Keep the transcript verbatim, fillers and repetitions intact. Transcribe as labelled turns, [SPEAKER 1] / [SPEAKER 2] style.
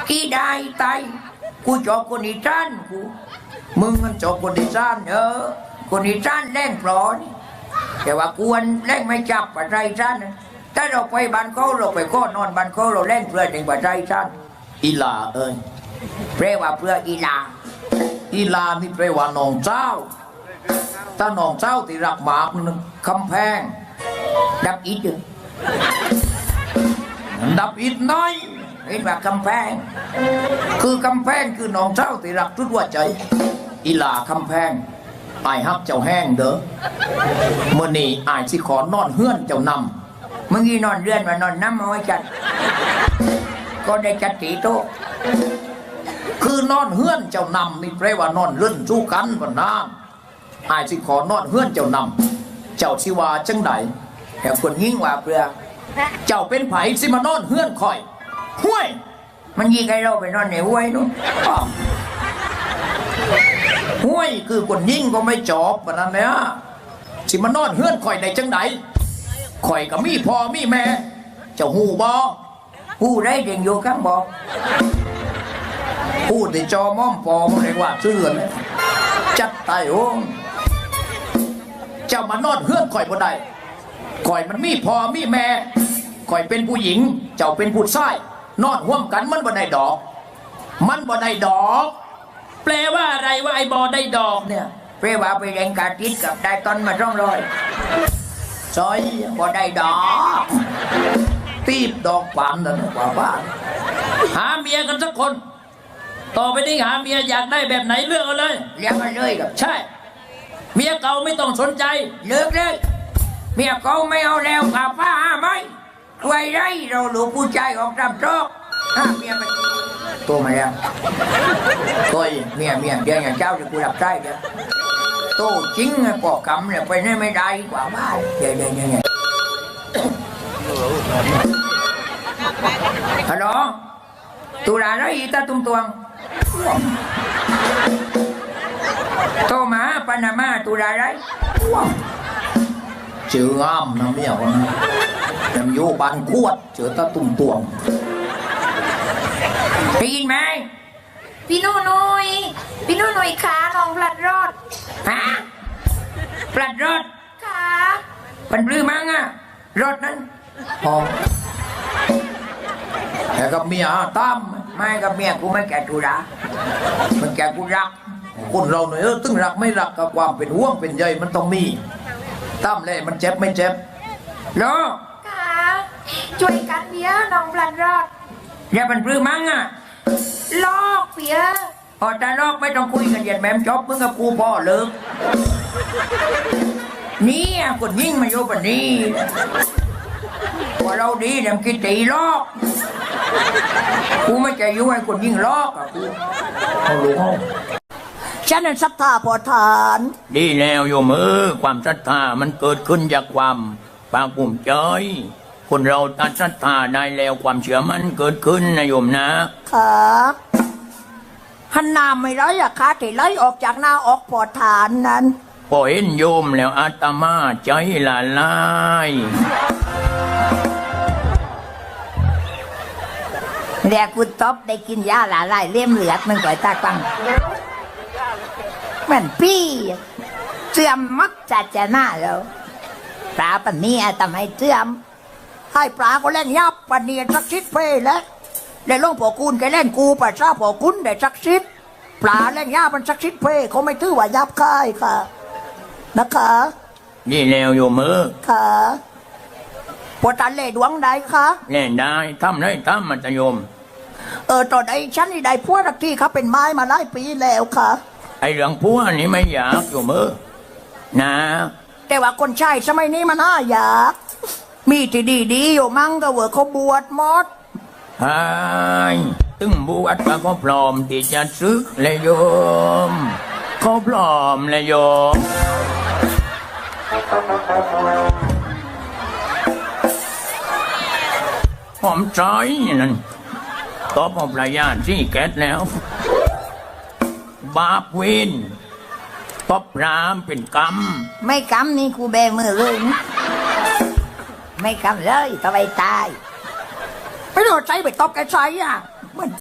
[SPEAKER 1] กี่ได้ตายกูจอบคนอีสานกูมึงมันจอบคนอีสานเออคนอีสานแรงปลอนี่แต่ว่ากวนแรงไม่จับปัจจัยอีสานถ้าเราไปบ้านเขาเราไปก้อนอนบ้านเขาเราแรงเพื่อถึงปัจจัยอีสานอีลาเอ้ยแปลว่าเพื่ออีลาอีลานี่แปลว่าน้องเจ้าถ้าน้องเจ้าที่รักหมากนึงคำแพงดับอิดอยู่ดับอิดน้อยเห็นว่ากำแพงคือกำแพงคือน้องเจ้าที่รักทุกหัวใจอีลาคำแพงอายฮักเจ้าแห้งเด้อเมื่อนี้อายสิขอนอนเฮือนเจ้านำเมื่อกี้นอนเรือนมานอนน้ำมาไว้จัดก็ได้จัดตีโตคือนอนเฮือนเจ้านำนี่แปลว่านอนเลื่อนสู้กันวันนั้นอายสิขอนอนเฮือนเจ้านำเจ้าสิว่าจังไดแต่คนยิ่งว่าเปลือเจ้าเป็นไผสิมานอนเฮือนคอยห้วยมันยิ่งให้เราไปนอนในห้วยนู้นห้วยคือคนยิ่งก็ไม่จบแบบนั้นเนี่ยสิมานอนเฮือนคอยได้จังไดคอยกับมีพ่อมีแม่เจ้าหูบอหูได้เด่งอยู่ข้างบอกหูที่จอม่อมปอมันเรียกว่าเสื่อนจัดไต่โอ้เจ้ามานอนเฮือนคอยบ่ได้คอยมันมีพ่อมีแม่คอยเป็นผู้หญิงเจ้าเป็นผู้ชายนอนร่วมกันมันบ่ได้ดอกมันบ่ได้ดอกแปลว่าอะไรว่าไอ้บ่ได้ดอกเนี่ยแปลว่าไปแรงกาติดกับได้ตอนมาร่องรอยซอยบ่ได้ดอกตีบดอกปามนั่นกว่าบ้านหาเมียกันสักคนต่อไปนี้หาเมียอยากได้แบบไหนเลือกเอาเลยเลือกเอาเลยครับใช่เมียเก่าไม่ต้องสนใจเลือกเลยเมียเก่าไม่เอาแล้วกับป้าหาไหมไว้ไรเราหลูกผู้ชายออกจำโชคห้าเมียไปตัวมาแล้วตัวเมียเมียเดี๋ยวอย่างเจ้าจะกูรับใจเดี๋ยวตัวจริงปอกกำเนี่ยไปนี่ไม่ได้กว่าบ้านเดี๋ยวเดี๋ยวเดี๋ยวฮัลโหลตุลาไรตาตุ้มตวงโตมาปานามาตุลาไรเจออ้ามนะเมียคนนั้นยำโยบานขวดเจอตาตุ่มตวงได้ยินไหม
[SPEAKER 2] พี่นุ่นุยพี่นุ่นุยขาน้องพลัดรอด
[SPEAKER 1] ฮะปลัดรถ
[SPEAKER 2] ขา
[SPEAKER 1] เป็นปลื้มมั้งอะรถนั้นพอแต่กับเมียตั้มไม่กับเมียกูไม่แก่กูรักมันแก่กูรักคนเราเนี่ยเออตึงรักไม่รักกับความเป็นห่วงเป็นใยมันต้องมีตั้มเลยมันเจ็บไม่เจ็บเหรอ
[SPEAKER 2] ขาช่วยกันเพียน้องพลัดรอด
[SPEAKER 1] อย่าเป็นปลื้มมั้งอะ
[SPEAKER 2] ลอกเพีย
[SPEAKER 1] พอแต่ลอกไม่ต้องคุยกันเหยียดแหมมจบมึงกับกูพ่อเลิกนี่คนยิ่งมาโยปนี่ว่าเราดีเดี๋ยวกินตีลอกกูไม่ใจยุ่งไอ้คนยิ่งลอกอะกูเอาลูกเอา
[SPEAKER 3] ฉันนั้นศรัทธาพอทาน
[SPEAKER 1] ดีแล้วโยมเออความศรัทธามันเกิดขึ้นจากความภาคภูมิใจคนเราตัดศรัทธาได้แล้วความเชื่อมันเกิดขึ้นนะโยมนะ
[SPEAKER 3] ค่ะหันน้ำไม่ร้อยอะค่ะที่ไหลออกจากหน้าออกพอทานนั้น
[SPEAKER 1] พอเห็นโยมแล้วอาตมาใจละลาย
[SPEAKER 3] เรียกคุณต๊อบได้กินยาละลายเลี่ยมเหลือดมันก่อยตาปังเหมือนพี่เสื่อมมักจัดจะหน้าแล้วปลาปันนี้ทำให้เสื่อมให้ปลาก็เล่นยับปันนี้สักชิดเพลแล้วได้ลงปอกุนแกเล่นกูปัสสาวะปอกุนได้สักชิดปลาเล่นยับมันสักชิดเพลเขาไม่ถือว่ายับค่ายค่ะนะคะ
[SPEAKER 1] นี่แล้วโยมเออ
[SPEAKER 3] ค่ะปวดตันเล่ดวงใดคะ
[SPEAKER 1] เล่นได้ทำได้ทำมันจะโยม
[SPEAKER 3] เออตอนไอ้ฉันนี่ได้พวกทักที่เขาเป็นไม้มาหลายปีแล้วค่ะ
[SPEAKER 1] ไอ้เรื่องพวกนี้ไม่อยากโยมเออนะ
[SPEAKER 3] แต่ว่าคนใช้สมัยนี้มันน่าอยากมีที่ดีๆอยู่มั่งก็เวอร์เขาบวชมด
[SPEAKER 1] ไอ้ตึงบวชก็พร้อมที่จะซื้อเลยโยมเขาพร้อมเลยโยมหอมใจนั่นตอบเอาปลายาที่แก๊สแล้วบาปเวนตบรามเป็นกรรม
[SPEAKER 3] ไม่กรรมนี่กูแบมือเลยไม่กรรมเลยทำไมตายไม่โดนใจไปตบแกใจอ่ะ